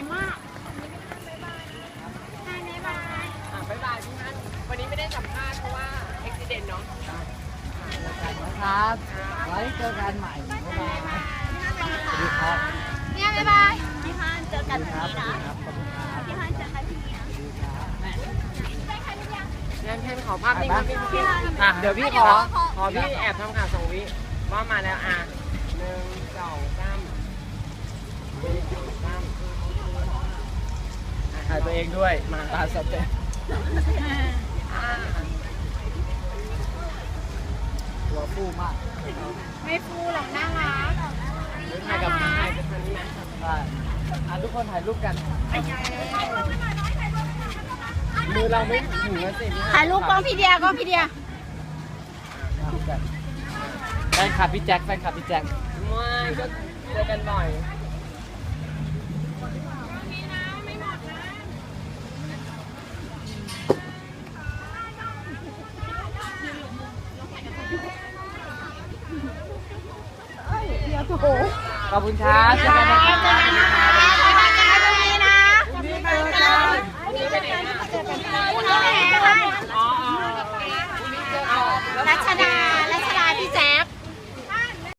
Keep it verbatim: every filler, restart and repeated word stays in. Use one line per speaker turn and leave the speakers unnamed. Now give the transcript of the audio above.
มากบ๊ายบายอ่ะบ๊ายบายพี่ฮันวันนี้ไม่ได้สัมภาษณ์เพราะว่าอุบิเหตุเนาะ
ครับไว้เจอกันใหม่บ๊ายบายสวัสดีครับ
เนี่ยบ๊ายบาย
พี่ฮันเจอกันที่นี่นะ
ครับขอบคุณครับ
พี่ฮันเจอกันที่นี่นะ
เพื่อนเพื่อนขอภาพนิ่งครับพี่พี่อ่ะเดี๋ยวพี่ขอขอพี่แอบทำข่าวสองวิว่ามาแล้วอ่ะหนึ่งสองสามหนึ่งสองสาม
ถ่ายตัวเองด้วยมาตาสเต็ป
อ่า
ตัวฟูมาก
ไม่ฟูหรอกน่ารักถ่ายกับถ่ายกับคนนี้ไหม
ได้อ่ะทุกคนถ่ายรูปกัน
มือเราไม่ถึงแล้วสิพี่
ถ่ายรูปกล้องพี่เดียกล้องพี่เดีย
ถ่ายรูปกันแฟนคลับพี่แจ็คแฟนคลับพี่แจ็ค
ไม่ก็เจอกันบ่อย
ขอบคุณครับเจอกันนะครับ